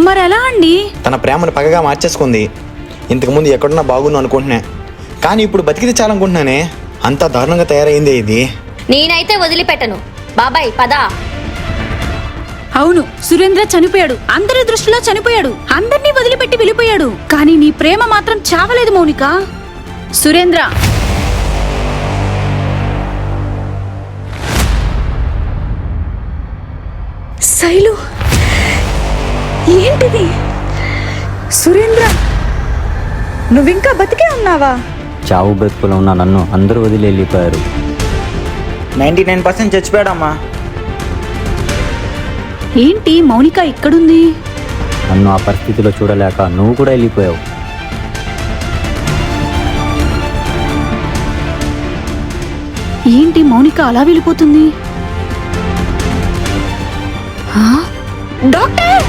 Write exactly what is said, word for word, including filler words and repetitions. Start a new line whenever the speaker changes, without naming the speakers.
మరెలా అండి?
తన ప్రేమను పగగా మార్చేసుకుంది. ఇంతకుముందు ఎక్కడున్నా బాగున్నా అనుకుంటున్నా, కానీ ఇప్పుడు బతికితే చాలనుకుంటున్నానే. అంతా దారుణంగా తయారైందే ఇది.
నేనైతే వదిలిపెట్టను. బాబాయ్ పదా.
అవును, సురేంద్ర చనిపోయాడు. అందరి దృష్టిలో చనిపోయాడు. అందర్నీ వదిలిపెట్టి వెళ్ళిపోయాడు. కానీ నీ ప్రేమ మాత్రం చావలేదు మౌనిక. సురేంద్ర, శైలు, ఏంటిది? సురేంద్ర, నువ్వింకా బతికే ఉన్నావా?
చావు బ్రతుకులో ఉన్న నన్ను అందరూ వదిలి వెళ్ళిపోయారు.
నైంటీ నైన్ పర్సెంట్ చచ్చిపోయాడమ్మా.
ఏంటి మౌనిక ఇక్కడుంది?
నన్ను ఆ పరిస్థితిలో చూడలేక నువ్వు కూడా వెళ్ళిపోయావు.
ఏంటి మౌనిక అలా వెళ్ళిపోతుంది? ఆ? డాక్టర్!